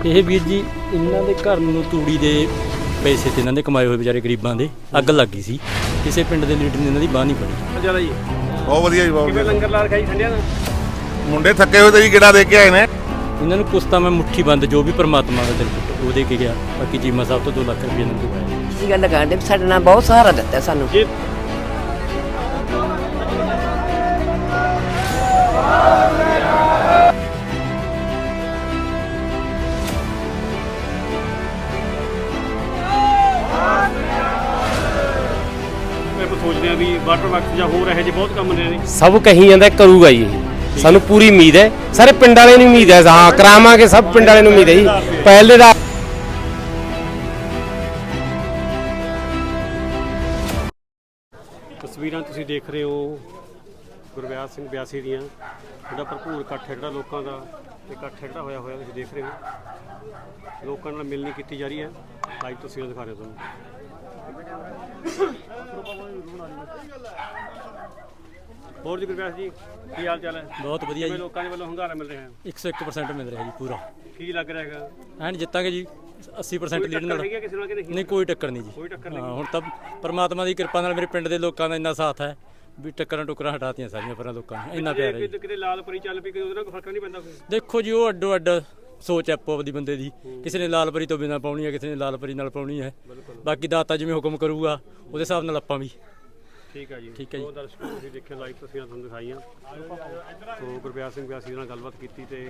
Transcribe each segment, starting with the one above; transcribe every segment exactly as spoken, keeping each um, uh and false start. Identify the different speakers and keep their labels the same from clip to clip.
Speaker 1: ਇਹ ਵੀਰ ਜੀ ਇਹਨਾਂ ਦੇ ਘਰ ਨੂੰ ਤੂੜੀ ਦੇ ਪੈਸੇ ਤੇ ਇਹਨਾਂ ਦੇ ਕਮਾਏ ਹੋਏ ਵਿਚਾਰੇ ਗਰੀਬਾਂ ਦੇ ਅੱਗ ਲੱਗ ਗਈ ਸੀ। ਕਿਸੇ ਪਿੰਡ ਦੇ ਲੀਡਰ ਨੇ ਇਹਨਾਂ ਦੀ ਬਾਹ ਨਹੀਂ ਫੜੀ।
Speaker 2: ਜਿਆਦਾ ਜੀ
Speaker 3: ਬਹੁਤ ਵਧੀਆ ਜੀ, ਬਹੁਤ
Speaker 2: ਕਿਵੇਂ ਲੰਗਰ ਲਾ ਰਖਾਈ ਠੰਡਿਆਂ ਦਾ।
Speaker 3: ਮੁੰਡੇ ਥੱਕੇ ਹੋਏ ਤੇ ਜੀ ਗੇੜਾ ਦੇ ਕੇ ਆਏ ਨੇ।
Speaker 1: ਇਹਨਾਂ ਨੂੰ ਕੁਛ ਤਾਂ ਮੈਂ ਮੁੱਠੀ ਬੰਦ ਜੋ ਵੀ ਪਰਮਾਤਮਾ ਦਾ ਦਿਲ ਪੁੱਟ ਉਹ ਦੇ ਕੇ ਗਿਆ। ਬਾਕੀ ਚੀਮਾ ਸਾਹਿਬ ਤੋਂ ਦੋ ਲੱਖ ਰੁਪਏ ਇਹਨਾਂ ਨੂੰ ਪਾਇਆ।
Speaker 4: ਜੀ ਗੱਲ ਕਰਦੇ ਸਾਡੇ ਨਾਲ ਬਹੁਤ ਸਹਾਰਾ ਦਿੱਤਾ ਸਾਨੂੰ।
Speaker 2: ਜੀ ਸੋਚਦੇ ਆ ਵੀ ਵਾਟਰ ਵਰਕਸ ਜਾਂ ਹੋਰ ਇਹੋ ਜਿਹੇ ਬਹੁਤ ਕੰਮ ਨੇ।
Speaker 5: ਸਭ ਕਹੀ ਜਾਂਦਾ ਕਰੂਗਾ ਜੀ, ਸਾਨੂੰ ਪੂਰੀ ਉਮੀਦ ਹੈ। ਸਾਰੇ ਪਿੰਡ ਵਾਲੇ ਨੂੰ ਉਮੀਦ ਹੈ, ਹਾਂ ਕਰਾਵਾਂਗੇ। ਸਭ ਪਿੰਡ ਵਾਲੇ ਨੂੰ ਉਮੀਦ ਹੈ ਜੀ। ਪਹਿਲੇ ਦਾ
Speaker 2: ਤਸਵੀਰਾਂ ਤੁਸੀਂ ਦੇਖ ਰਹੇ ਹੋ ਗੁਰਵਿਆਸ ਸਿੰਘ ਬਿਆਸੀ ਦੀਆਂ, ਜਿਹੜਾ ਭਰਪੂਰ ਇਕੱਠ ਜਿਹੜਾ ਲੋਕਾਂ ਦਾ ਇਕੱਠ ਜਿਹੜਾ ਹੋਇਆ ਹੋਇਆ ਤੁਸੀਂ ਦੇਖ ਰਹੇ ਹੋ। ਲੋਕਾਂ ਨਾਲ ਮਿਲਣੀ ਕੀਤੀ ਜਾ ਰਹੀ ਹੈ। ਲਾਈਵ ਤਸਵੀਰਾਂ ਦਿਖਾ ਰਹੇ ਤੁਹਾਨੂੰ। ਹੋਰ ਜੀ ਗੁਰਵਿਆਸ ਜੀ ਕੀ ਹਾਲ ਚਾਲ ਹੈ?
Speaker 1: ਬਹੁਤ ਵਧੀਆ ਜੀ,
Speaker 2: ਲੋਕਾਂ ਦੇ ਵੱਲੋਂ ਹੁੰਗਾਰਾ ਮਿਲ ਰਿਹਾ ਹੈ।
Speaker 1: ਇੱਕ ਸੌ ਇੱਕ ਪਰਸੈਂਟ ਮਿਲ ਰਿਹਾ ਜੀ ਪੂਰਾ।
Speaker 2: ਕੀ ਲੱਗ ਰਿਹਾ ਹੈਗਾ?
Speaker 1: ਐਨ ਜਿੱਤਾਂਗੇ ਜੀ ਅੱਸੀ ਪਰਸੈਂਟ ਲੀਡ ਨਾਲ।
Speaker 2: ਕਿਸੇ ਨਾਲ ਕਿ ਨਹੀਂ?
Speaker 1: ਨਹੀਂ ਕੋਈ ਟੱਕਰ ਨਹੀਂ ਜੀ।
Speaker 2: ਕੋਈ ਟੱਕਰ
Speaker 1: ਹਾਂ
Speaker 2: ਨਹੀਂ।
Speaker 1: ਹੁਣ ਤਾਂ ਪਰਮਾਤਮਾ ਦੀ ਕਿਰਪਾ ਨਾਲ ਮੇਰੇ ਪਿੰਡ ਦੇ ਲੋਕਾਂ ਦਾ ਇੰਨਾ ਸਾਥ ਹੈ ਵੀ ਟੱਕਰਾਂ ਟੁੱਕਰਾਂ ਹਟਾਤੀਆਂ ਸਾਰੀਆਂ ਪਰਾਂ ਲੋਕਾਂ ਨੇ। ਇੰਨਾ ਪਿਆਰ ਹੈ ਜੀ।
Speaker 2: ਕਿਤੇ ਲਾਲ ਪਰੀ ਚੱਲ ਪਈ ਉਹਦੇ ਨਾਲ ਕੋਈ ਫਰਕ ਨਹੀਂ ਪੈਂਦਾ ਕੋਈ?
Speaker 1: ਦੇਖੋ ਜੀ ਉਹ ਅੱਡੋ ਅੱਡ ਸੋਚ ਹੈ ਆਪੋ ਆਪਦੀ ਬੰਦੇ ਦੀ। ਕਿਸੇ ਨੇ ਲਾਲ ਪਰੀ ਤੋਂ ਬਿਨਾਂ ਪਾਉਣੀ ਹੈ, ਕਿਸੇ ਨੇ ਲਾਲ ਪਰੀ ਨਾਲ ਪਾਉਣੀ ਹੈ। ਬਾਕੀ ਦਾਤਾ ਜਿਵੇਂ ਹੁਕਮ ਕਰੂਗਾ ਉਹਦੇ ਹਿਸਾਬ ਨਾਲ ਆਪਾਂ ਵੀ।
Speaker 2: ਠੀਕ ਹੈ ਜੀ,
Speaker 1: ਠੀਕ ਹੈ ਜੀ।
Speaker 2: ਉਹ ਦਰਸ਼ਕੋ ਤੁਸੀਂ ਦੇਖਿਆ ਲਾਈਵ ਤਸਵੀਰਾਂ ਤੁਹਾਨੂੰ ਦਿਖਾਈਆਂ। ਸੋ ਗੁਰਵਿਆਸ ਸਿੰਘ ਬਿਆਸੀ ਨਾਲ ਗੱਲਬਾਤ ਕੀਤੀ ਤੇ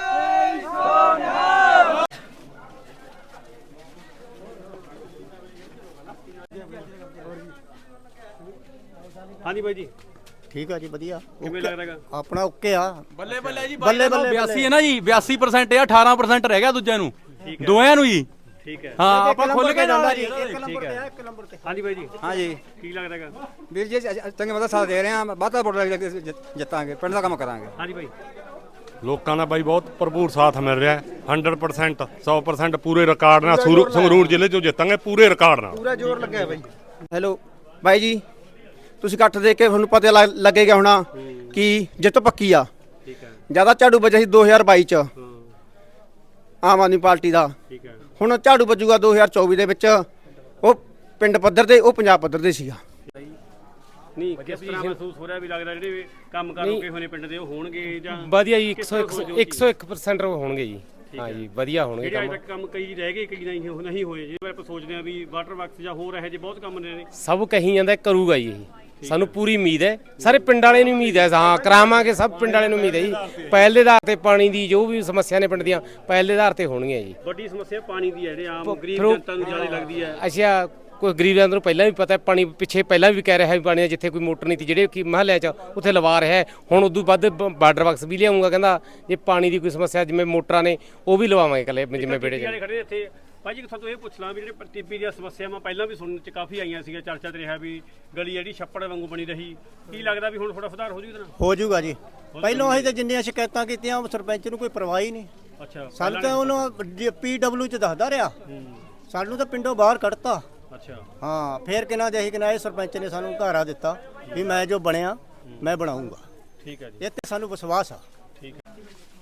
Speaker 2: ਹਾਂਜੀ ਬਾਈ ਜੀ
Speaker 6: ਠੀਕ ਆ ਜੀ, ਵਧੀਆ।
Speaker 2: ਕਿਵੇਂ ਲੱਗ ਰਿਹਾ?
Speaker 6: ਆਪਣਾ ਓਕੇ ਆ।
Speaker 7: ਬੱਲੇ ਬੱਲੇ ਜੀ,
Speaker 6: ਬੱਲੇ ਬੱਲੇ
Speaker 7: ਬਿਆਸੀ ਹੈ ਨਾ ਜੀ। ਬਿਆਸੀ ਪਰਸੈਂਟ ਆ, ਅਠਾਰਾਂ ਪਰਸੈਂਟ ਰਹਿ ਗਿਆ ਦੂਜਿਆਂ ਨੂੰ, ਦੋਆਂ ਨੂੰ ਜੀ।
Speaker 2: ਠੀਕ ਹੈ,
Speaker 7: ਹਾਂ ਆਪਾਂ ਖੁੱਲ ਕੇ
Speaker 6: ਜਾਂਦਾ ਜੀ।
Speaker 7: ਜੀ।
Speaker 6: ਇੱਕ ਨੰਬਰ ਤੇ ਆ, ਇੱਕ ਨੰਬਰ ਤੇ।
Speaker 2: ਹਾਂਜੀ ਬਾਈ ਜੀ
Speaker 8: ਹਾਂ ਜੀ
Speaker 2: ਕੀ ਲੱਗ ਰਿਹਾ ਹੈਗਾ?
Speaker 8: ਵੀਰ ਜੀ ਚੰਗੇ ਮਦਦ ਸਾਥ ਦੇ ਰਹੇ ਹਾਂ। ਵਾਧਾ ਵੋਟ ਲੈ ਕੇ ਜਿੱਤਾਂਗੇ, ਪਿੰਡ ਦਾ ਕੰਮ ਕਰਾਂਗੇ।
Speaker 2: ਹਾਂਜੀ ਬਾਈ
Speaker 9: ਲੋਕਾਂ ਦਾ ਬਾਈ ਬਹੁਤ ਭਰਪੂਰ ਸਾਥ ਮਿਲ ਰਿਹਾ ਹੈ। ਸੌ ਪਰਸੈਂਟ ਸੌ ਪਰਸੈਂਟ ਪੂਰੇ ਰਿਕਾਰਡ ਨਾਲ ਸੰਗਰੂ- ਸੰਗਰੂਰ ਜ਼ਿਲ੍ਹੇ ਚੋਂ ਜਿੱਤਾਂਗੇ ਪੂਰੇ ਰਿਕਾਰਡ ਨਾਲ।
Speaker 6: ਪੂਰਾ ਜ਼ੋਰ ਲੱਗਿਆ ਬਾਈ।
Speaker 8: ਹੈਲੋ ਬਾਈ ਜੀ, ਤੁਸੀਂ ਇਕੱਠ ਦੇਖ ਕੇ ਤੁਹਾਨੂੰ ਪਤਾ ਲੱਗ- ਲੱਗੇਗਾ ਹੋਣਾ ਕਿ ਜਿੱਤ ਪੱਕੀ ਆ।
Speaker 2: ਠੀਕ ਹੈ।
Speaker 8: ਜਿਆਦਾ ਝਾੜੂ ਵੱਜਿਆ ਸੀ ਦੋ ਹਜ਼ਾਰ ਬਾਈ ਚ ਆਮ ਆਦਮੀ ਪਾਰਟੀ ਦਾ।
Speaker 2: ਠੀਕ ਹੈ।
Speaker 8: ਹੁਣ ਝਾੜੂ ਵੱਜੂਗਾ ਦੋ ਹਜ਼ਾਰ ਚੌਵੀ ਦੇ ਵਿੱਚ। ਉਹ ਪਿੰਡ ਪੱਧਰ ਤੇ, ਉਹ ਪੰਜਾਬ ਪੱਧਰ ਤੇ ਸੀਗਾ।
Speaker 2: ਨਹੀਂ ਕਿਸ ਤਰ੍ਹਾਂ ਮਹਿਸੂਸ ਹੋ ਰਿਹਾ ਵੀ ਲੱਗਦਾ ਜਿਹੜੇ ਕੰਮ ਕਰ ਰੁਕੇ ਹੋਏ ਨੇ ਪਿੰਡ ਦੇ ਉਹ ਹੋਣਗੇ ਜਾਂ
Speaker 5: ਵਧੀਆ ਜੀ। ਇੱਕ ਸੌ ਇੱਕ ਪਰਸੈਂਟ ਹੋਣਗੇ ਜੀ। ਹਾਂ ਜੀ, ਵਧੀਆ ਹੋਣਗੇ
Speaker 2: ਜਿਹੜੇ
Speaker 5: ਕੰਮ।
Speaker 2: ਅਜੇ ਤੱਕ ਕੰਮ ਕਈ ਰਹਿ ਗਏ, ਕਈ ਨਹੀਂ ਨਹੀਂ ਹੋਏ। ਜਿਵੇਂ ਆਪਾਂ ਸੋਚਦੇ ਆ ਵੀ ਵਾਟਰ ਵਰਕਸ ਜਾਂ ਹੋਰ ਇਹੋ ਜਿਹੇ ਬਹੁਤ ਕੰਮ ਨੇ।
Speaker 5: ਸਭ ਕਹੀ ਜਾਂਦਾ ਕਰੂਗਾ ਜੀ, ਇਹ ਸਾਨੂੰ ਪੂਰੀ ਉਮੀਦ ਹੈ। ਸਾਰੇ ਪਿੰਡ ਵਾਲੇ ਨੂੰ ਉਮੀਦ ਹੈ, ਹਾਂ ਕਰਾਵਾਂਗੇ। ਸਭ ਪਿੰਡ ਵਾਲੇ ਨੂੰ ਉਮੀਦ ਹੈ ਜੀ। ਪਹਿਲੇ ਆਧਾਰ ਤੇ ਪਾਣੀ ਦੀ ਜੋ ਵੀ ਸਮੱਸਿਆ ਨੇ ਪਿੰਡ ਦੀਆਂ ਪਹਿਲੇ ਆਧਾਰ ਤੇ ਹੋਣਗੀਆਂ ਜੀ।
Speaker 2: ਵੱਡੀ ਸਮੱਸਿਆ ਪਾਣੀ ਦੀ ਹੈ, ਜਿਹੜੇ ਆਮ ਗਰੀਬ
Speaker 5: ਫਿਰ ਉਹ-
Speaker 2: ਜਨਤਾ ਨੂੰ ਜ਼ਿਆਦਾ ਲੱਗਦੀ ਹੈ।
Speaker 5: ਅੱਛਾ, ਕੋਈ ਗਰੀਬਾਂ ਨੂੰ ਪਹਿਲਾਂ ਵੀ ਪਤਾ ਪਾਣੀ ਪਿੱਛੇ ਪਹਿਲਾਂ ਵੀ ਕਹਿ ਰਿਹਾ ਵੀ ਪਾਣੀ ਜਿੱਥੇ ਕੋਈ ਮੋਟਰ ਨਹੀਂ ਸੀ ਜਿਹੜੇ ਕਿ ਮਹੱਲਿਆਂ 'ਚ ਉੱਥੇ ਲਵਾ ਰਿਹਾ ਹੈ। ਹੁਣ ਉਦੋਂ ਵੱਧ ਬਾਰਡਰ ਬਾਕਸ ਵੀ ਲਿਆਉਂਗਾ। ਕਹਿੰਦਾ ਜੇ ਪਾਣੀ ਦੀ ਕੋਈ ਸਮੱਸਿਆ ਜਿਵੇਂ ਮੋਟਰਾਂ ਨੇ ਉਹ ਵੀ ਲਵਾਵਾਂਗੇ ਇਕੱਲੇ ਜਿਵੇਂ ਬੇੜੇ 'ਚ।
Speaker 2: ਖੜੇ ਇੱਥੇ ਭਾਜੀ ਕਿਥੋਂ ਤੋਂ ਇਹ ਪੁੱਛ ਲਾਂ ਵੀ ਜਿਹੜੇ ਟੀਪੀ ਦੀਆਂ ਸਮੱਸਿਆਵਾਂ ਪਹਿਲਾਂ ਵੀ ਸੁਣਨ 'ਚ ਕਾਫੀ ਆਈਆਂ ਸੀਗਾ, ਚਰਚਾ ਤੇ ਰਿਹਾ ਵੀ ਗਲੀ ਜਿਹੜੀ ਛੱਪੜ ਵਾਂਗੂ ਬਣੀ ਰਹੀ। ਕੀ ਲੱਗਦਾ ਵੀ ਹੁਣ ਥੋੜਾ ਸੁਧਾਰ ਹੋ ਜੂ ਇਹਦੇ ਨਾਲ?
Speaker 6: ਹੋ ਜਾਊਗਾ ਜੀ। ਪਹਿਲਾਂ ਅਸੀਂ ਤਾਂ ਜਿੰਨੀਆਂ ਸ਼ਿਕਾਇਤਾਂ ਕੀਤੀਆਂ ਉਹ ਸਰਪੰਚ ਨੂੰ ਕੋਈ ਪਰਵਾਹ ਹੀ ਨਹੀਂ।
Speaker 2: ਅੱਛਾ,
Speaker 6: ਸਾਨੂੰ ਤਾਂ ਉਹਨੂੰ ਪੀ ਡਬਲਯੂ ਚ ਦੱਸਦਾ ਰਿਹਾ, ਸਾਨੂੰ ਤਾਂ ਪਿੰਡੋਂ ਬਾਹਰ ਕੱਢਤਾ।
Speaker 2: ਅੱਛਾ
Speaker 6: ਹਾਂ, ਫੇਰ ਕਿਨਾਂ ਦੇ ਅਸੀਂ ਕਿਨਾਂ ਇਹ ਸਰਪੰਚ ਨੇ ਸਾਨੂੰ ਘਾਰਾ ਦਿੱਤਾ ਵੀ ਮੈਂ ਜੋ ਬਣਿਆ ਮੈਂ ਬਣਾਉਂਗਾ।
Speaker 2: ਠੀਕ ਹੈ ਜੀ,
Speaker 6: ਇਹ ਤੇ ਸਾਨੂੰ ਵਿਸ਼ਵਾਸ ਆ।
Speaker 2: ਠੀਕ ਹੈ।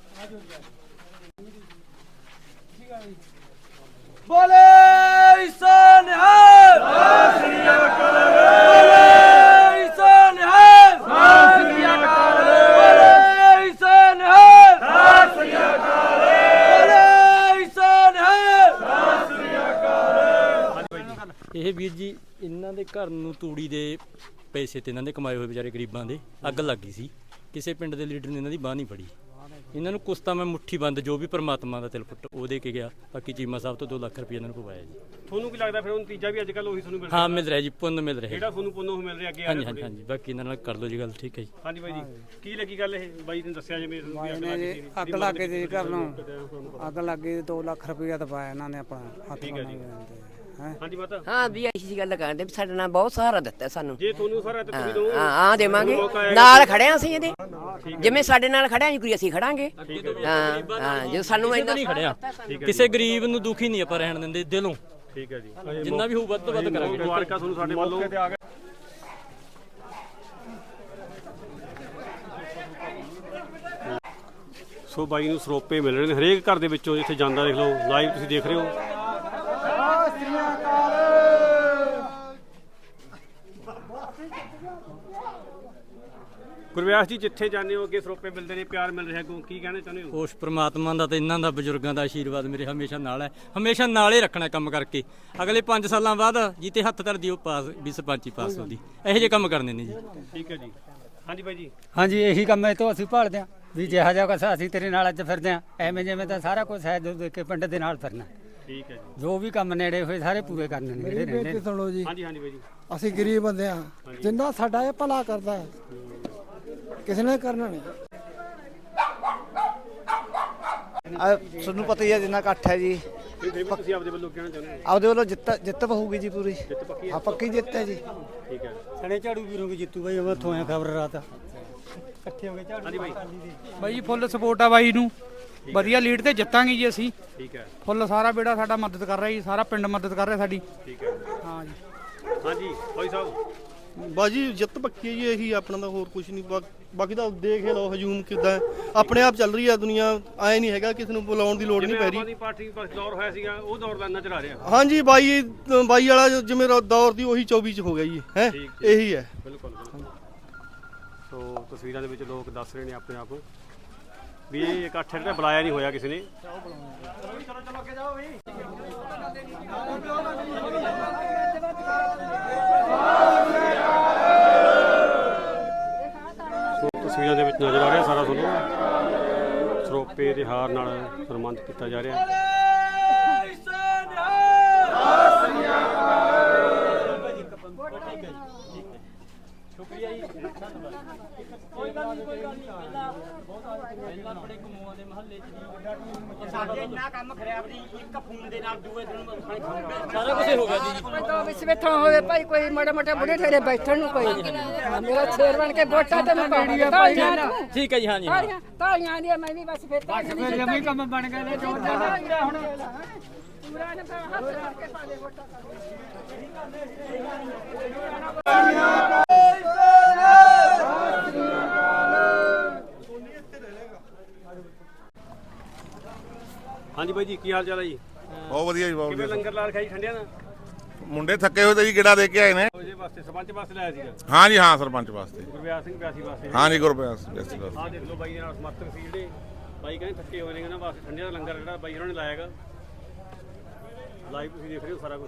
Speaker 7: ਬੋਲੇ ਸੋ ਨਿਹਾਲ ਸਤਿ ਸ੍ਰੀ ਅਕਾਲ। ਬੋਲੇ ਸੋ ਨਿਹਾਲ ਸਤਿ ਸ੍ਰੀ ਅਕਾਲ। ਬੋਲੇ ਸੋ ਨਿਹਾਲ ਸਤਿ ਸ੍ਰੀ ਅਕਾਲ। ਬੋਲੇ ਸੋ ਨਿਹਾਲ ਸਤਿ ਸ੍ਰੀ ਅਕਾਲ।
Speaker 1: ਇਹ ਵੀਰ ਜੀ ਇਹਨਾਂ ਦੇ ਘਰ ਨੂੰ ਤੂੜੀ ਦੇ ਪੈਸੇ ਤੇ ਇਹਨਾਂ ਦੇ ਕਮਾਏ ਹੋਏ ਵਿਚਾਰੇ ਗਰੀਬਾਂ ਦੇ ਅੱਗ ਲੱਗ ਗਈ ਸੀ। ਕਿਸੇ ਪਿੰਡ ਦੇ ਲੀਡਰ ਨੇ ਇਹਨਾਂ ਦੀ ਬਾਹ ਨਹੀਂ ਫੜੀ। ਇਹਨਾਂ ਨੂੰ ਕੁਛ ਤਾਂ ਮੈਂ ਮੁੱਠੀ ਬੰਦ ਜੋ ਵੀ ਪਰਮਾਤਮਾ ਦਾ ਦਿਲ ਪੁੱਟ ਉਹ ਦੇ ਕੇ ਗਿਆ। ਬਾਕੀ ਚੀਮਾ ਸਾਹਿਬ ਤੋਂ ਦੋ ਲੱਖ ਰੁਪਏ ਇਹਨਾਂ ਨੂੰ ਪਵਾਇਆ ਜੀ।
Speaker 2: ਤੁਹਾਨੂੰ ਕੀ ਲੱਗਦਾ ਫਿਰ ਉਹ ਨਤੀਜਾ ਵੀ ਅੱਜ ਕੱਲ ਉਹੀ ਤੁਹਾਨੂੰ ਮਿਲ
Speaker 1: ਹਾਂ ਮਿਲ ਰਿਹਾ ਜੀ, ਪੁੰਨ ਮਿਲ ਰਿਹਾ।
Speaker 2: ਜਿਹੜਾ ਤੁਹਾਨੂੰ ਪੁੰਨੋਂ ਮਿਲ ਰਿਹਾ ਅੱਗੇ ਆ
Speaker 1: ਹਾਂਜੀ
Speaker 2: ਰਿਹਾ
Speaker 1: ਹਾਂਜੀ ਹਾਂਜੀ, ਬਾਕੀ ਇਹਨਾਂ ਨਾਲ ਕਰ ਲਓ ਜੀ ਗੱਲ। ਠੀਕ ਹੈ ਜੀ।
Speaker 2: ਹਾਂਜੀ ਬਾਈ ਜੀ ਕੀ ਲੱਗੀ ਗੱਲ? ਇਹ ਬਾਈ ਨੇ ਦੱਸਿਆ ਜਿਵੇਂ
Speaker 10: ਅੱਗ ਲੱਗੇ ਜੀ ਘਰ ਨੂੰ। ਅੱਗ ਲੱਗੇ ਦੋ ਲੱਖ ਰੁਪਇਆ ਦਵਾਇਆ ਇਹਨਾਂ ਨੇ ਆਪਣਾ ਹੱਥ
Speaker 2: ਠੀਕ ਹੈ ਜੀ। ਹਾਂਜੀ ਮਾਤਾ
Speaker 4: ਹਾਂ ਵੀ ਅਸੀਂ ਗੱਲ ਕਰਦੇ ਵੀ ਸਾਡੇ ਨਾਲ ਬਹੁਤ ਸਹਾਰਾ ਦਿੱਤਾ ਸਾਨੂੰ।
Speaker 2: ਜੇ ਤੁਹਾਨੂੰ ਸਾਰਾ ਤੇ ਤੁਸੀਂ ਦੋ
Speaker 4: ਹਾਂ ਆ ਦੇਵਾਂਗੇ, ਨਾਲ ਖੜਿਆ ਅਸੀਂ ਇਹਦੇ। ਜਿਵੇਂ ਸਾਡੇ ਨਾਲ ਖੜਿਆ ਕੋਈ ਅਸੀਂ ਖੜਾਂਗੇ। ਹਾਂ ਹਾਂ, ਜੇ ਸਾਨੂੰ
Speaker 1: ਇੰਨਾ ਨਹੀਂ ਖੜਿਆ, ਕਿਸੇ ਗਰੀਬ ਨੂੰ ਦੁਖੀ ਨਹੀਂ ਆਪਾਂ ਰਹਿਣ ਦਿੰਦੇ ਦਿਲੋਂ।
Speaker 2: ਠੀਕ ਹੈ ਜੀ,
Speaker 1: ਜਿੰਨਾ ਵੀ ਹੋਊ ਵੱਧ ਤੋਂ ਵੱਧ ਕਰਾਂਗੇ।
Speaker 2: ਮੁਬਾਰਕਾਂ ਤੁਹਾਨੂੰ ਸਾਡੇ ਵੱਲੋਂ। ਸੋ ਬਾਈ ਨੂੰ ਸਰੋਪੇ ਮਿਲ ਰਹੇ ਨੇ ਹਰੇਕ ਘਰ ਦੇ ਵਿੱਚੋਂ, ਜਿੱਥੇ ਜਾਂਦਾ ਦੇਖ ਲਓ, ਲਾਈਵ ਤੁਸੀਂ ਦੇਖ ਰਹੇ ਹੋ। ਗੁਰਵਿਆਸ ਜੀ, ਜਿੱਥੇ ਜਾਂਦੇ ਹੋ ਅੱਗੇ ਸਰੋਪੇ ਮਿਲਦੇ ਨੇ, ਪਿਆਰ ਮਿਲ ਰਿਹਾ, ਅੱਗੋਂ ਕੀ ਕਹਿਣਾ ਚਾਹੁੰਦੇ ਹੋ?
Speaker 1: ਉਸ ਪ੍ਰਮਾਤਮਾ ਦਾ ਤੇ ਇਹਨਾਂ ਦਾ ਬਜ਼ੁਰਗਾਂ ਦਾ ਆਸ਼ੀਰਵਾਦ ਮੇਰੇ ਹਮੇਸ਼ਾ ਨਾਲ ਹੈ, ਹਮੇਸ਼ਾ ਨਾਲ ਹੀ ਰੱਖਣਾ ਕੰਮ ਕਰਕੇ। ਅਗਲੇ ਪੰਜ ਸਾਲਾਂ ਬਾਅਦ ਜਿੱਤੇ ਹੱਥ ਧਰਦੀ ਉਹ ਪਾਸ ਵੀ ਸਰਪੰਚੀ ਪਾਸ ਹੋਦੀ, ਇਹੋ ਜਿਹੇ ਕੰਮ ਕਰਨੇ ਨੇ ਜੀ।
Speaker 2: ਠੀਕ ਹੈ ਜੀ। ਹਾਂਜੀ ਬਾਈ ਜੀ।
Speaker 10: ਹਾਂਜੀ, ਇਹੀ ਕੰਮ ਹੈ ਤੋਂ ਅਸੀਂ ਭਾਲਦੇ ਹਾਂ ਵੀ ਜਿਹਾ ਜਿਹਾ ਕੁਛ ਅਸੀਂ ਤੇਰੇ ਨਾਲ ਅੱਜ ਫਿਰਦੇ ਹਾਂ, ਐਵੇਂ ਜਿਵੇਂ ਤਾਂ ਸਾਰਾ ਕੁਝ ਹੈ ਜੋ ਦੇਖ ਕੇ ਪਿੰਡ ਦੇ ਨਾਲ ਫਿਰਨਾ।
Speaker 2: ਠੀਕ ਹੈ ਜੀ।
Speaker 10: ਜੋ ਵੀ ਕੰਮ ਨੇੜੇ ਹੋਏ ਸਾਰੇ ਪੂਰੇ ਕਰਨੇ ਨੇ ਜਿਹੜੇ ਰਹਿੰਦੇ ਨੇ।
Speaker 6: ਸੁਣੋ ਜੀ,
Speaker 2: ਹਾਂਜੀ ਹਾਂਜੀ ਬਾਈ ਜੀ।
Speaker 6: ਅਸੀਂ ਗਰੀਬ ਬੰਦੇ ਆ, ਜਿੰਨਾ ਸਾਡਾ ਇਹ ਭਲਾ ਕਰਦਾ ਹੈ ਕਿਸੇ ਨੇ ਕਰਨਾ ਨਹੀਂ।
Speaker 8: ਤੁਹਾਨੂੰ ਪਤਾ ਹੀ ਹੈ ਜਿੰਨਾ ਇਕੱਠ ਹੈ ਜੀ,
Speaker 2: ਤੁਸੀਂ ਆਪਦੇ ਵੱਲੋਂ ਕਹਿਣਾ ਚਾਹੁੰਦੇ ਹੋ?
Speaker 8: ਆਪਦੇ ਵੱਲੋਂ ਜਿੱਤ ਜਿੱਤ ਹੋਊਗੀ ਜੀ ਪੂਰੀ।
Speaker 2: ਜਿੱਤ ਪੱਕੀ ਹੈ?
Speaker 8: ਹਾਂ, ਪੱਕੀ ਜਿੱਤ ਹੈ ਜੀ।
Speaker 2: ਠੀਕ ਹੈ।
Speaker 6: ਸਣੇ ਝਾੜੂ ਵੀਰੋਂ ਵੀ ਜਿੱਤੂ ਬਾਈ, ਮੈਂ ਉੱਥੋਂ ਆਇਆ ਖਬਰ ਰਾਤ ਇਕੱਠੇ ਹੋ ਗਏ ਝਾੜੂ।
Speaker 2: ਹਾਂਜੀ ਬਾਈ।
Speaker 10: ਬਾਈ ਜੀ ਫੁੱਲ ਸਪੋਰਟ ਆ ਬਾਈ ਨੂੰ, ਵਧੀਆ ਲੀਡ ਤੇ ਜਿੱਤਾਂਗੇ ਜੀ ਅਸੀਂ।
Speaker 2: ਠੀਕ ਹੈ।
Speaker 10: ਫੁੱਲ ਸਾਰਾ ਬੇੜਾ ਸਾਡਾ ਮਦਦ ਕਰ ਰਿਹਾ ਜੀ, ਸਾਰਾ ਪਿੰਡ ਮਦਦ ਕਰ ਰਿਹਾ ਸਾਡੀ।
Speaker 2: ਠੀਕ ਹੈ।
Speaker 10: ਹਾਂ ਜੀ।
Speaker 2: ਹਾਂਜੀ ਭਾਈ ਸਾਹਿਬ।
Speaker 6: ਬਾਜੀ ਜਿੱਤ ਪੱਕੀ ਹੈ ਜੀ, ਇਹੀ ਆਪਣਾ ਦਾ ਹੋਰ ਕੁਝ ਨਹੀਂ। ਬਾਕੀ ਤਾਂ ਦੇਖ ਲਓ ਹਜੂਮ ਕਿੱਦਾਂ ਆਪਣੇ ਆਪ ਚੱਲ ਰਹੀ ਹੈ ਦੁਨੀਆ, ਆਏ ਨਹੀਂ ਹੈਗਾ ਕਿਸੇ ਨੂੰ ਬੁਲਾਉਣ ਦੀ ਲੋੜ ਨਹੀਂ ਪੈ ਰਹੀ।
Speaker 2: ਪਾਰਟੀ ਬਸ ਦੌਰ ਹੋਇਆ ਸੀਗਾ, ਉਹ ਦੌਰ ਦਾ ਇੰਨਾ ਚਲਾ ਰਿਹਾ।
Speaker 6: ਹਾਂਜੀ ਬਾਈ, ਬਾਈ ਵਾਲਾ ਜਿਵੇਂ ਦੌਰ ਦੀ ਉਹੀ ਚੌਵੀ ਚ ਹੋ ਗਿਆ ਜੀ, ਹੈ ਇਹੀ ਹੈ।
Speaker 2: ਬਿਲਕੁਲ। ਸੋ ਤਸਵੀਰਾਂ ਦੇ ਵਿੱਚ ਲੋਕ ਦੱਸ ਰਹੇ ਨੇ ਆਪਣੇ ਆਪ ਵੀ ਇਹ ਇਕੱਠ ਜਿਹੜਾ ਬੁਲਾਇਆ ਨਹੀਂ ਹੋਇਆ ਕਿਸੇ ਨੇ। ਤਸਵੀਰਾਂ ਦੇ ਵਿੱਚ ਨਜ਼ਰ ਆ ਰਿਹਾ ਸਾਰਾ ਤੁਹਾਨੂੰ ਸਰੋਪੇ ਦੇ ਹਾਰ ਨਾਲ ਸਨਮਾਨਿਤ ਕੀਤਾ ਜਾ ਰਿਹਾ। ਸ਼ੁਕਰੀਆ ਜੀ, ਕੋਈ ਗੱਲ ਨਹੀਂ, ਕੋਈ ਗੱਲ ਨਹੀਂ। ਪਹਿਲਾਂ ਪਹਿਲਾਂ ਬੜੇ ਕਮੂਆਂ ਦੇ ਮਹੱਲੇ 'ਚ ਸਾਡੇ ਇੰਨਾ ਕੰਮ ਖਰਾਬ ਨਹੀਂ, ਇੱਕ ਫੋਨ ਦੇ ਨਾਲ ਦੂਏ ਦਿਨ ਸਾਰਾ ਕੁਝ ਹੋ ਗਿਆ ਜੀ।
Speaker 11: ਤਾਂ ਵਿੱਚ ਬੈਠਾ ਹੋਵੇ ਭਾਈ, ਕੋਈ ਮਾੜਾ ਮੋਟਾ ਬੁੜੇ ਠੇਰੇ ਬੈਠਣ ਨੂੰ ਕੋਈ ਮੇਰਾ ਸ਼ੇਰ ਬਣ ਕੇ ਵੋਟਾਂ ਤੇ ਮੈਂ ਪਾਉਣੀ ਆ ਭਾਈ।
Speaker 1: ਠੀਕ ਹੈ ਜੀ। ਹਾਂਜੀ
Speaker 11: ਤਾਲੀਆਂ ਤਾਲੀਆਂ ਦੀ ਮੈਂ ਵੀ ਬਸ ਫਿਰ ਤਾਂ
Speaker 10: ਜਮੀ ਕੰਮ ਬਣ ਗਏ ਨੇ ਜੋ
Speaker 11: ਹੁਣ ਪੂਰਾ ਨੇ ਹੱਥ ਰੱਖ ਕੇ ਪਾ ਦੇ ਵੋਟਾਂ।
Speaker 2: ਹਾਂਜੀ ਬਾਈ ਜੀ, ਕੀ ਹਾਲ ਚਾਲ ਹੈ ਜੀ?
Speaker 3: ਬਹੁਤ ਵਧੀਆ ਜੀ, ਬਹੁਤ
Speaker 2: ਕਿਵੇਂ
Speaker 3: ਵਧੀਆ।
Speaker 2: ਲੰਗਰ ਲਾ ਰਖਿਆ ਜੀ ਠੰਡਿਆਂ ਦਾ?
Speaker 3: ਮੁੰਡੇ ਥੱਕੇ ਹੋਏ ਤੇ ਜੀ ਗੇੜਾ ਦੇ ਕੇ ਆਏ ਨੇ।
Speaker 2: ਉਹਦੇ ਵਾਸਤੇ ਸਰਪੰਚ ਵਾਸਤੇ ਲਾਇਆ ਸੀਗਾ?
Speaker 3: ਹਾਂ ਜੀ, ਹਾਂ, ਸਰਪੰਚ ਵਾਸਤੇ।
Speaker 2: ਗੁਰਵਿਆਸ ਸਿੰਘ ਬਿਆਸੀ ਵਾਸਤੇ?
Speaker 3: ਹਾਂ ਜੀ, ਗੁਰਪ੍ਰੀਤ ਬਿਆਸੀ ਵਾਸਤੇ।
Speaker 2: ਆਹ ਦੇਖ ਲਓ ਬਾਈ ਦੇ ਨਾਲ ਸਮਰਥਕ ਸੀ ਜਿਹੜੇ ਬਾਈ ਕਹਿੰਦੇ ਥੱਕੇ ਹੋਏ ਨੇ, ਇਹਨਾਂ ਵਾਸਤੇ ਠੰਡਿਆਂ ਦਾ ਲੰਗਰ ਜਿਹੜਾ ਬਾਈ ਉਹਨਾਂ ਨੇ ਲਾਇਆਗਾ। ਲਾਈਵ ਤੁਸੀਂ ਦੇਖ ਰਹੇ ਹੋ ਸਾਰਾ ਕੁਝ।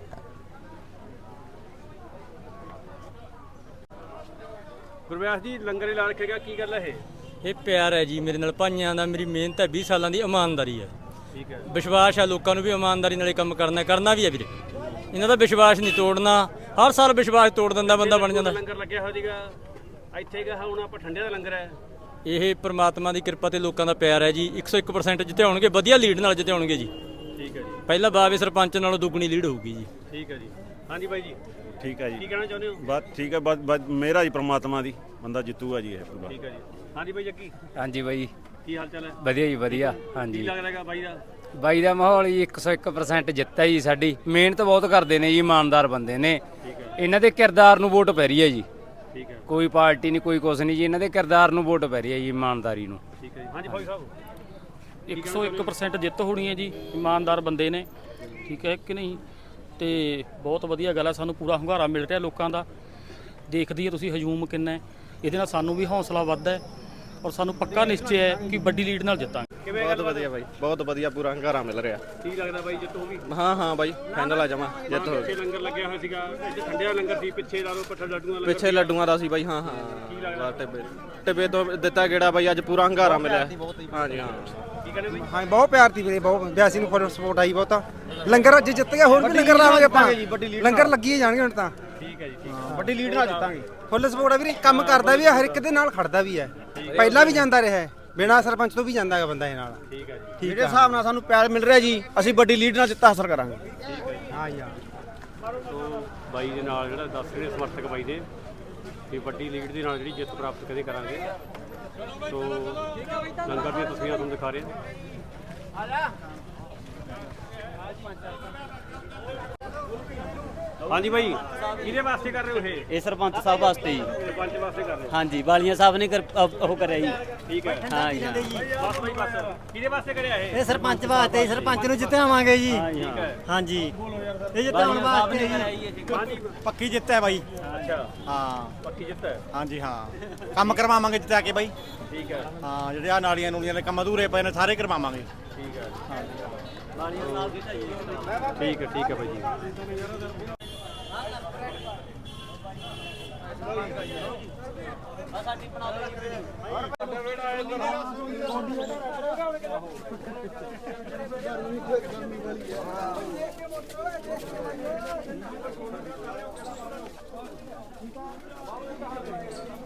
Speaker 2: ਗੁਰਵਿਆਸ ਜੀ, ਲੰਗਰ ਹੀ ਲਾ ਰੱਖੇਗਾ, ਕੀ ਗੱਲ ਹੈ ਇਹ?
Speaker 1: ਇਹ ਪਿਆਰ ਹੈ ਜੀ ਮੇਰੇ ਨਾਲ ਭਾਈਆਂ ਦਾ, ਮੇਰੀ ਮਿਹਨਤ ਹੈ, ਵੀਹ ਸਾਲਾਂ ਦੀ ਇਮਾਨਦਾਰੀ ਹੈ।
Speaker 2: ਠੀਕ ਹੈ।
Speaker 1: ਵਿਸ਼ਵਾਸ ਹੈ ਲੋਕਾਂ ਨੂੰ ਵੀ ਇਮਾਨਦਾਰੀ ਨਾਲੇ ਕੰਮ ਕਰਨਾ ਕਰਨਾ ਵੀ ਹੈ ਵੀਰੇ। ਇਹਨਾਂ ਦਾ ਵਿਸ਼ਵਾਸ ਨਹੀਂ ਤੋੜਨਾ, ਹਰ ਸਾਲ ਵਿਸ਼ਵਾਸ ਤੋੜ ਦਿੰਦਾ ਬੰਦਾ ਬਣ ਜਾਂਦਾ।
Speaker 2: ਲੰਗਰ ਲੱਗਿਆ ਹੋਇਆ ਸੀਗਾ ਇੱਥੇ ਗਾ, ਹੁਣ ਆਪਾਂ ਠੰਡਿਆਂ ਦਾ ਲੰਗਰ ਹੈ।
Speaker 1: ਇਹ ਪ੍ਰਮਾਤਮਾ ਦੀ ਕਿਰਪਾ ਤੇ ਲੋਕਾਂ ਦਾ ਪਿਆਰ ਹੈ ਜੀ। ਇੱਕ ਸੌ ਇੱਕ ਪਰਸੈਂਟ ਜਿੱਤਿਆਉਣਗੇ, ਵਧੀਆ ਲੀਡ ਨਾਲ ਜਿੱਤਿਆਉਣਗੇ ਜੀ।
Speaker 2: ਠੀਕ ਹੈ ਜੀ।
Speaker 1: ਪਹਿਲਾਂ ਬਾਵੇ ਸਰਪੰਚ ਨਾਲੋਂ ਦੁੱਗਣੀ ਲੀਡ ਹੋਊਗੀ ਜੀ।
Speaker 2: ਠੀਕ ਹੈ ਜੀ। ਹਾਂਜੀ ਬਾਈ ਜੀ।
Speaker 12: ਠੀਕ ਹੈ ਜੀ।
Speaker 2: ਕੀ ਕਹਿਣਾ ਚਾਹੁੰਦੇ ਹੋ?
Speaker 12: ਬਸ ਠੀਕ ਹੈ, ਬਸ ਬਸ ਮੇਰਾ ਜੀ ਪ੍ਰਮਾਤਮਾ ਦੀ ਬੰਦਾ ਜਿੱਤੂਗਾ ਜੀ ਇਹ ਪੂਰਾ।
Speaker 2: ਠੀਕ ਹੈ ਜੀ। ਹਾਂਜੀ ਬਾਈ ਜੱਗੀ,
Speaker 5: ਹਾਂਜੀ ਬਾਈ,
Speaker 2: ਕੀ ਹਾਲ ਚਾਲ ਹੈ?
Speaker 5: ਵਧੀਆ ਜੀ ਵਧੀਆ।
Speaker 2: ਕੀ
Speaker 5: ਹਾਂਜੀ
Speaker 2: ਲੱਗਦਾ ਹੈਗਾ ਬਾਈ ਦਾ?
Speaker 5: ਬਾਈ ਦਾ ਮਾਹੌਲ ਜੀ ਇੱਕ ਸੌ ਇੱਕ ਪਰਸੈਂਟ ਜਿੱਤ ਹੈ ਜੀ ਸਾਡੀ। ਮਿਹਨਤ ਬਹੁਤ ਕਰਦੇ ਨੇ ਜੀ, ਇਮਾਨਦਾਰ ਬੰਦੇ ਨੇ।
Speaker 2: ਠੀਕ ਹੈ।
Speaker 5: ਇਹਨਾਂ ਦੇ ਕਿਰਦਾਰ ਨੂੰ ਵੋਟ ਪੈ ਰਹੀ ਹੈ ਜੀ।
Speaker 2: ਠੀਕ ਹੈ।
Speaker 5: ਕੋਈ ਪਾਰਟੀ ਨਹੀਂ, ਕੋਈ ਕੁਛ ਨਹੀਂ ਜੀ, ਇਹਨਾਂ ਦੇ ਕਿਰਦਾਰ ਨੂੰ ਵੋਟ ਪੈ ਰਹੀ ਹੈ ਜੀ, ਇਮਾਨਦਾਰੀ ਨੂੰ।
Speaker 2: ਠੀਕ ਹੈ ਜੀ। ਹਾਂਜੀ ਭਾਈ ਸਾਹਿਬ।
Speaker 7: ਇੱਕ ਸੌ ਇੱਕ ਪਰਸੈਂਟ ਜਿੱਤ ਹੋਣੀ ਹੈ ਜੀ, ਇਮਾਨਦਾਰ ਬੰਦੇ ਨੇ। ਠੀਕ ਹੈ ਕਿ ਨਹੀਂ? ਤੇ ਬਹੁਤ ਵਧੀਆ ਗੱਲ ਹੈ, ਸਾਨੂੰ ਪੂਰਾ ਹੁੰਗਾਰਾ ਮਿਲ ਰਿਹਾ ਲੋਕਾਂ ਦਾ। ਦੇਖਦੀ ਹੈ ਤੁਸੀਂ ਹਜੂਮ ਕਿੰਨਾ ਹੈ, ਇਹਦੇ ਨਾਲ ਸਾਨੂੰ ਵੀ ਹੌਸਲਾ ਵੱਧਦਾ ਹੈ ਔਰ ਸਾਨੂੰ ਪੱਕਾ ਨਿਸ਼ਚੈ ਹੈ ਕਿ ਵੱਡੀ ਲੀਡ ਨਾਲ ਜਿੱਤਾਂਗੇ।
Speaker 2: ਕਿਵੇਂ
Speaker 8: ਬਹੁਤ ਵਧੀਆ ਬਾਈ, ਬਹੁਤ ਵਧੀਆ, ਪੂਰਾ ਹੰਗਾਰਾ ਮਿਲ ਰਿਹਾ।
Speaker 2: ਕੀ ਲੱਗਦਾ ਬਾਈ ਜਿੱਤ ਹੋਊਗੀ?
Speaker 8: ਹਾਂ ਹਾਂ ਬਾਈ, ਫਾਈਨਲ ਆ ਜਾਵਾਂ, ਜਿੱਤ ਹੋ
Speaker 2: ਪਿੱਛੇ ਲੰਗਰ ਲੱਗਿਆ ਹੋਇਆ ਸੀਗਾ, ਇੱਥੇ ਠੰਡਿਆਂ ਲੰਗਰ ਸੀ, ਪਿੱਛੇ ਲਾ ਲਓ ਪੱਠਾ ਲੱਡੂਆਂ ਦਾ
Speaker 8: ਪਿੱਛੇ ਲੱਡੂਆਂ ਦਾ ਸੀ ਬਾਈ। ਹਾਂ ਹਾਂ,
Speaker 2: ਕੀ ਲੱਗਦਾ?
Speaker 8: ਟਿੱਬੇ ਟਿੱਬੇ ਤੋਂ ਦਿੱਤਾ ਗੇੜਾ ਬਾਈ, ਅੱਜ ਪੂਰਾ ਹੰਗਾਰਾ ਮਿਲਿਆ। ਹਾਂ ਜੀ ਹਾਂ।
Speaker 2: ਕੀ ਕਹਿੰਦੇ ਬਾਈ?
Speaker 6: ਹਾਂ ਬਹੁਤ ਪਿਆਰ ਦੀ ਵੀਰੇ, ਬਹੁਤ ਬਿਆਸੀ ਨੂੰ ਫੁੱਲ ਸਪੋਰਟ ਆਈ ਬਹੁਤਾ। ਲੰਗਰ ਅੱਜ ਜਿੱਤ ਗਿਆ, ਹੋਰ ਵੀ ਲੰਗਰ ਲਾਵਾਂਗੇ ਆਪਾਂ। ਲੰਗਰ ਲੱਗੀ ਜਾਣਗੇ ਹੁਣ ਤਾਂ।
Speaker 2: ਠੀਕ ਹੈ ਜੀ। ਠੀਕ ਹੈ।
Speaker 8: ਵੱਡੀ ਲੀਡ ਨਾਲ ਜਿੱਤਾਂਗੇ।
Speaker 6: ਫੁੱਲ ਸਪੋਰਟ ਆ ਵੀਰੇ, ਕੰਮ ਕਰਦਾ ਵੀ ਹੈ, ਹਰ ਇੱਕ ਦੇ ਨਾਲ ਖੜਦਾ ਵੀ ਹੈ। ਪਹਿਲਾਂ ਵੀ ਜਾਂਦਾ ਰਿਹਾ, ਬਿਨਾਂ ਸਰਪੰਚ ਤੋਂ ਵੀ ਜਾਂਦਾ ਹੈਗਾ ਬੰਦਾ ਇਹ ਨਾਲ।
Speaker 2: ਠੀਕ ਹੈ ਜੀ।
Speaker 8: ਜਿਹੜੇ ਹਿਸਾਬ ਨਾਲ ਸਾਨੂੰ ਪਿਆਰ ਮਿਲ ਰਿਹਾ ਜੀ, ਅਸੀਂ ਵੱਡੀ ਲੀਡ ਨਾਲ ਜਿੱਤ ਹਾਸਲ ਕਰਾਂਗੇ।
Speaker 2: ਠੀਕ ਹੈ ਜੀ।
Speaker 6: ਹਾਂ ਯਾਰ।
Speaker 2: ਸੋ ਬਾਈ ਦੇ ਨਾਲ ਜਿਹੜਾ ਦੱਸ ਰਹੇ ਸਮਰਥਕ ਬਾਈ ਦੇ ਕਿ ਵੱਡੀ ਲੀਡ ਦੇ ਨਾਲ ਜਿਹੜੀ ਜਿੱਤ ਪ੍ਰਾਪਤ ਕਦੇ ਕਰਾਂਗੇ। ਸੋ ਲੰਗਰ ਦੀਆਂ ਤਸਵੀਰਾਂ ਤੁਹਾਨੂੰ ਦਿਖਾ ਰਹੇ ਹਾਂ। ਹਾਂਜੀ ਬਾਈ ਕਿਹਦੇ ਵਾਸਤੇ ਕਰ ਰਹੇ ਹੋ ਇਹ
Speaker 13: ਇਹ ਸਰਪੰਚ ਸਾਹਿਬ ਵਾਸਤੇ ਜੀ।
Speaker 2: ਸਰਪੰਚ ਵਾਸਤੇ ਕਰ ਰਹੇ ਹੋ
Speaker 13: ਹਾਂਜੀ ਬਾਲੀਆਂ ਸਾਹਿਬ ਨੇ ਕਰ- ਅਹ ਉਹ ਕਰਿਆ ਜੀ।
Speaker 2: ਠੀਕ ਹੈ
Speaker 13: ਹਾਂ ਜੀ ਹਾਂ।
Speaker 2: ਬਸ ਬਾਈ ਬਸ ਕਿਹਦੇ ਵਾਸਤੇ ਕਰਿਆ ਇਹ
Speaker 10: ਇਹ ਸਰਪੰਚ ਵਾਸਤੇ ਸਰਪੰਚ ਨੂੰ ਜਿੱਤਾਵਾਂਗੇ ਜੀ
Speaker 2: ਠੀਕ ਹੈ
Speaker 10: ਹਾਂਜੀ ਇਹ ਜਿਤਾਉਣ ਵਾਸਤੇ ਜੀ
Speaker 2: ਹਾਂਜੀ
Speaker 10: ਪੱਕੀ ਜਿੱਤ ਹੈ ਬਾਈ
Speaker 2: ਅੱਛਾ
Speaker 10: ਹਾਂ
Speaker 2: ਪੱਕੀ ਜਿੱਤ ਹੈ
Speaker 10: ਹਾਂਜੀ ਹਾਂ ਕੰਮ ਕਰਵਾਵਾਂਗੇ ਜਿੱਤਾ ਕੇ ਬਾਈ
Speaker 2: ਠੀਕ ਹੈ
Speaker 10: ਹਾਂ ਜਿਹੜੇ ਆ ਨਾਲੀਆਂ ਨੂਲੀਆਂ ਦੇ ਕੰਮ ਅਧੂਰੇ ਪਏ ਨੇ ਸਾਰੇ ਕਰਵਾਵਾਂਗੇ
Speaker 2: ਠੀਕ ਹੈ
Speaker 13: ਬਾਲੀਆਂ ਸਾਹਿਬ ਦੀ ਢਾਈ ਜੀ।
Speaker 2: ਠੀਕ ਹੈ ਠੀਕ ਹੈ ਬਾਈ ਜੀ
Speaker 13: ਸਾਡੀ ਬਣਾ ਦਿਓ